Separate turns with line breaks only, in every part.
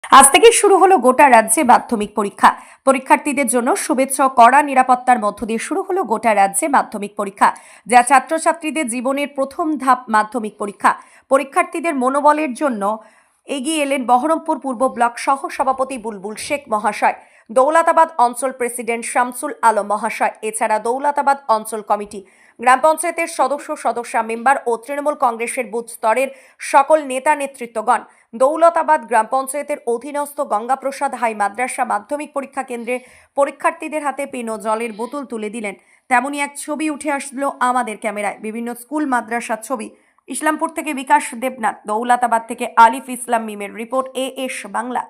আজ থেকে শুরু হলো গোটা রাজ্যে মাধ্যমিক পরীক্ষা। পরীক্ষার্থীদের জন্য শুভেচ্ছা ও কড়া নিরাপত্তার মধ্য দিয়ে শুরু হলো গোটা রাজ্যে মাধ্যমিক পরীক্ষা, যা ছাত্রছাত্রীদের জীবনের প্রথম ধাপ মাধ্যমিক পরীক্ষা। পরীক্ষার্থীদের মনোবলের জন্য এগিয়ে এলেন বহরমপুর পূর্ব ব্লক সহ সভাপতি বুলবুল শেখ মহাশয়, দৌলতাবাদ অঞ্চল প্রেসিডেন্ট শামসুল আলম মহাশয়, এছাড়া দৌলতাবাদ অঞ্চল কমিটি, গ্রাম পঞ্চায়েতের সদস্য মেম্বার ও তৃণমূল কংগ্রেসের বুথ স্তরের সকল নেতা নেতৃত্বগণ। দৌলতাবাদ গ্রাম পঞ্চায়েতের অধীনস্থ গঙ্গাপ্রসাদ হাই মাদ্রাসা মাধ্যমিক পরীক্ষা কেন্দ্রে পরীক্ষার্থীদের হাতে পেন ও জলের বোতল তুলে দিলেন। তেমনই এক ছবি উঠে আসলো আমাদের ক্যামেরায়, বিভিন্ন স্কুল মাদ্রাসার ছবি। ইসলামপুর থেকে বিকাশ দেবনাথ, দৌলতাবাদ থেকে আলিফ ইসলাম মিমের রিপোর্ট, এএস বাংলা।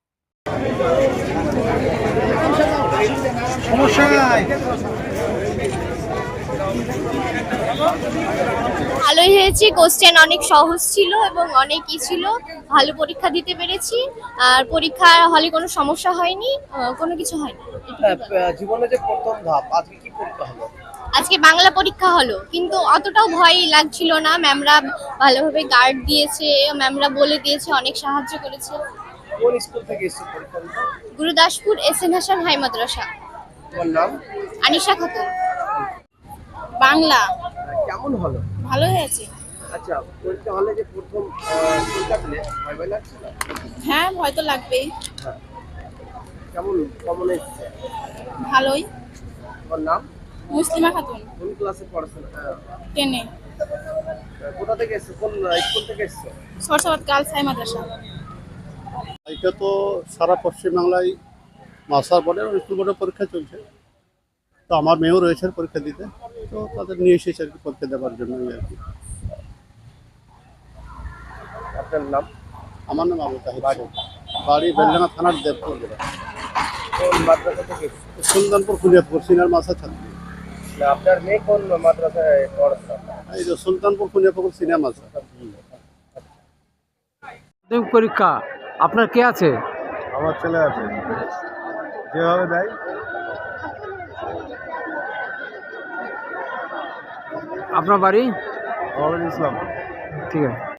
ভালোই হয়েছে, কোশ্চেন অনেক সহজ ছিল এবং অনেকই ছিল, ভালো পরীক্ষা দিতে পেরেছি। আর পরীক্ষার হলে কোনো সমস্যা হয়নি, কোনো কিছু হয়নি।
জীবনে যে প্রথম ধাপ, আজকে কি পরীক্ষা হলো?
আজকে বাংলা পরীক্ষা হলো, কিন্তু অতটাও ভয় লাগছিল না। ম্যামরা ভালোভাবে গার্ড দিয়েছে, ম্যামরা বলে দিয়েছে, অনেক সাহায্য করেছে।
কোন স্কুল থেকে এসেছো পরীক্ষা দিতে?
Gurudaspur SN Hasan high Madrasa.
তোমার নাম?
আনিশা খাতুন। বাংলা
কেমন হলো?
ভালো হয়েছে।
আচ্ছা, পরীক্ষা হলে যে প্রথম পরীক্ষা দিলে ভয় লাগছে না?
হ্যাঁ, ভয় তো লাগবেই।
হ্যাঁ। কেমন এসেছে?
ভালোই।
তোমার নাম?
মুসলিমা খাতুন,
কোন ক্লাসে পড়াশোনা?
10 এ।
কোথা থেকে এসেছো? কোন স্কুল থেকে এসেছো?
Sarsabad girls high Madrasa.
এটা তো সারা পশ্চিমবাংলায় মাস্টার বোর্ডের স্কুল বোর্ডের পরীক্ষা চলছে। তো আমার মেয়েও রয়েছে পরীক্ষা দিতে, তো তাদের নিয়ে এসেছে আর কি পরীক্ষা দেওয়ার জন্য আর কি।
আপনার নাম?
আমার নাম আবু তাহির শেখ, বাড়ি বেলডাঙ্গা থানার দেবপুর জেলা।
কোন মাদ্রাসা থেকে এসেছো?
সুলতানপুর খুনিয়াপুর সিনিয়র মাস্টার ছাত্রী।
না, আপনার মেয়ে কোন মাদ্রাসায় পড়াশোনা?
এই যে সুলতানপুর খুনিয়াপুর সিনিয়র মাস্টার।
মাধ্যমিক পরীক্ষা আপনার কে আছে?
আমার ছেলে আছে, যেভাবে দেয়।
আপনার বাড়ি?
আমার ইসলাম।
ঠিক আছে।